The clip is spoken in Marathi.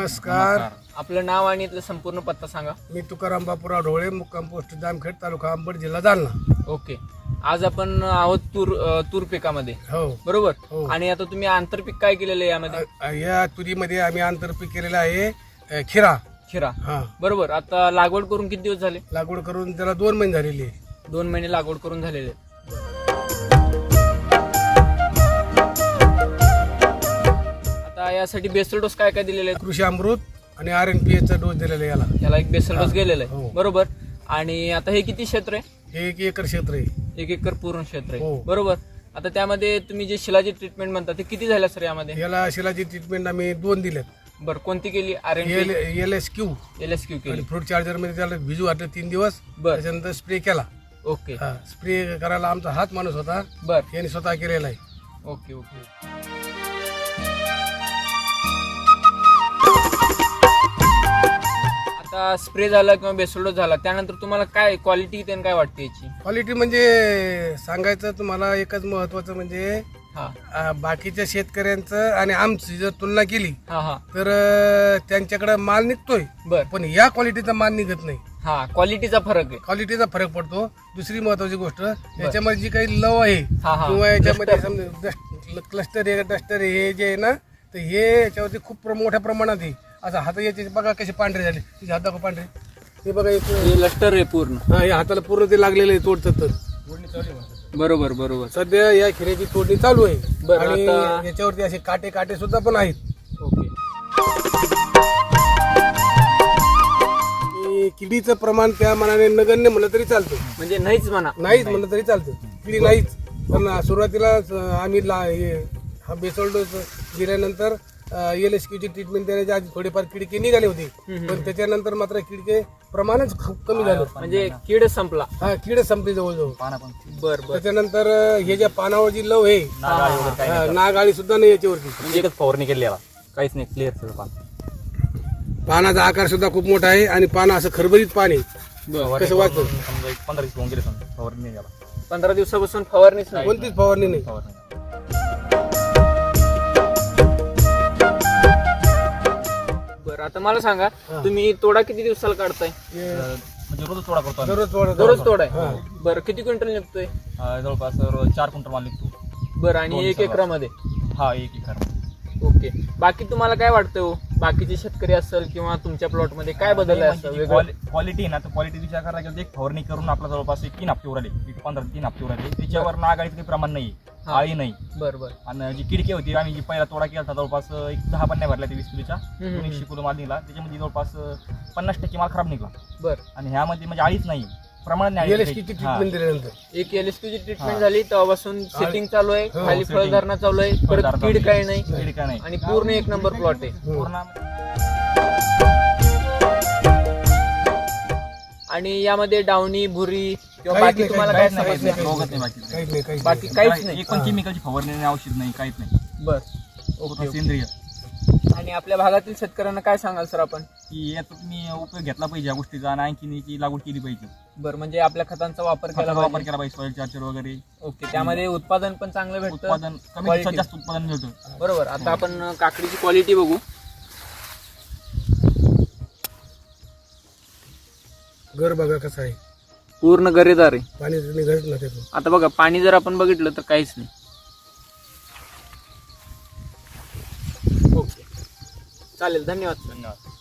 नमस्कार. आपलं नाव आणि इथलं संपूर्ण पत्ता सांगा. मी तुकाराम बापूराव ढोळे, मुक्काम पोस्ट जामखेड, तालुका अंबड, जिल्हा जालना. ओके. आज आपण आहोत तूर पिकामध्ये, हो बरोबर. हो. आणि आता तुम्ही आंतरपीक काय केलेलं आहे यामध्ये? या तुरीमध्ये आम्ही आंतरपीक केलेलं आहे खिरा. खिरा, बरोबर. आता लागवड करून किती दिवस झाले? लागवड करून त्याला 2 महिने झालेली आहे. 2 महिने लागवड करून झालेले. आता यासाठी बेसल डोस काय काय दिलेले आहेत? कृषी अमृत आणि RNPH चा डोस दिलेला आहे याला एक बेसल डोस गेलेला हो. आहे, बरोबर. आणि आता हे किती क्षेत्र आहे? हे 1 एकर क्षेत्र आहे. 1 एकर पूर्ण क्षेत्र आहे, हो. बरोबर. आता त्यामध्ये तुम्ही जे शिलाजी ट्रीटमेंट म्हणता ते किती झाल्या सर यामध्ये? याला शिलाची ट्रीटमेंट आम्ही 2 दिल्यात. बरं, कोणती केली? LSQ LSQ केली. आणि फ्रूट चार्जर मध्ये त्याला भिजू घातलं 3 दिवस. बरं. त्याच्यानंतर स्प्रे केला. ओके. स्प्रे करायला आमचा हात माणूस होता, बरं. यांनी स्वतः केलेला आहे. Okay okay. आता स्प्रे झाला किंवा बेसोडोस झाला त्यानंतर तुम्हाला काय क्वालिटी त्यानं काय वाटते याची? क्वालिटी म्हणजे सांगायचं तुम्हाला एकच महत्वाचं म्हणजे हा बाकीच्या शेतकऱ्यांचं आणि आमची जर तुलना केली हा हा तर त्यांच्याकडे माल निघतोय, बर. पण या क्वालिटीचा माल निघत नाही. हा, क्वालिटीचा फरक आहे. क्वालिटीचा फरक पडतो. दुसरी महत्वाची गोष्ट, याच्यामध्ये जी काही लव आहे हा, हा. किंवा याच्यामध्ये समजा क्लस्टर आहे, डस्टर आहे, हे जे आहे ना, तर हे याच्यावरती खूप मोठ्या प्रमाणात आहे. असं हात याचे बघा कसे पांढरे झाले, तिचे हात दाखवा पांढरे, हे बघा हे लष्टर आहे पूर्ण. हा, हे हाताला पूर्ण ते लागलेले आहे, तोडतात. बरोबर बरोबर. सध्या या खिऱ्याची तोडणी चालू आहे. बरं, आणि आता- याच्यावरती असे काटे सुद्धा पण आहेत. ओके. आणि किडीचं प्रमाण त्या मनाने नगण्य म्हणलं तरी चालतं, म्हणजे नाहीच म्हणा. नाहीच म्हणलं तरी चालतं, किडी नाहीच. पण सुरुवातीला आम्ही हा बेसोल डोस दिल्यानंतर LSQ ची ट्रीटमेंट देण्याच्या आधी थोडीफार किडके निघाले होते, पण त्याच्यानंतर मात्र किडके प्रमाणच खूप कमी झालं. म्हणजे कीड संपला. हा, कीड संपली जवळजवळ. बर बर. त्याच्यानंतर हे ज्या पानावर जी लव आहे, नागाळी सुद्धा नाही याच्यावरती. म्हणजे एकच फवारणी केली याला, काहीच नाही, क्लिअर सगळं पान. पानाचा आकार सुद्धा खूप मोठा आहे आणि पान असं खरबरीत पान आहे. कसं वाटतं? समजा 15 दिवस होऊन गेले समजा फवारणी नाही याला. 15 दिवसापासून फवारणीच नाही. कोणतीच फवारणी नाही. फवारणी. बरं, आता मला सांगा, तुम्ही तोडा किती दिवसाला काढताय? म्हणजे रोज तोडा करतो आम्ही. दररोज तोडाय. बरं, किती क्विंटल निघतोय? जवळपास 4 क्विंटल माल निघतो. बरं, आणि 1 एकरामध्ये? हा, 1 एकर. ओके. बाकी तुम्हाला काय वाटतं हो, बाकीचे शेतकरी असेल किंवा तुमच्या प्लॉट मध्ये काय बदल आहे असं वेगळं? क्वालिटी आहे ना, तर क्वालिटी विचार करायला गेलं, एक फवारणी करून आपला जवळपास 3 हप्ते उरले, 3 हप्ते उरले. त्याच्यावर नागाळीचं काही प्रमाण नाही, आळी नाही. बरं बरं. आणि जी किडकी होती, आम्ही जी पहिला तोडा केला होता जवळपास 10 पण नाही भरल्या, 20 किलोच्या 100 किलो माल निघाला. त्याच्यामध्ये जवळपास 50% माल खराब निघाला. बरं. आणि ह्यामध्ये म्हणजे आळीच नाही, प्रमाण नाही. LSQ ची ट्रीटमेंट दिल्यानंतर एक LSQ ची ट्रीटमेंट झाली तेव्हापासून सेटिंग चालू आहे, खाली फळधारणा चालू आहे, परत कीड काही नाही, किडका नाही. आणि पूर्ण 1 नंबर प्लॉट आहे. पूर्ण. आणि यामध्ये डावणी, भुरी किंवा काहीच बाकी नाही, तुम्हाला काहीच काय नाही, सांगायचं? रोगच नाही बाकी. काहीच नाही, काहीच बाकी काहीच नाही. एक पण केमिकलची फवारणी नाही, औषध नाही, काहीच नाही. बरं. पूर्ण सेंद्रिय. आणि आपल्या भागातील शेतकऱ्यांना काय सांगाल सर आपण? की याचा तुम्ही उपयोग घेतला पाहिजे या गोष्टीचा, आणि आणखी याची लागवड केली पाहिजे. बरं, म्हणजे आपल्या खतांचा वापर केला खताचा वापर पाहिजे. केला पाहिजे, सॉइल चार्जर वगैरे. ओके. त्यामध्ये उत्पादन पण चांगलं भेटतं, उत्पादन कमी Quality. दिवसात जास्त उत्पादन मिळतं. बरोबर. आता आपण काकडीची क्वालिटी बघू. घर बघा कसं आहे, पूर्ण गरेदार आहे. पाणी निघत ना त्यातून. आता बघा, पाणी जर आपण बघितलं तर काहीच नाही. ओके, चालेल. धन्यवाद. धन्यवाद.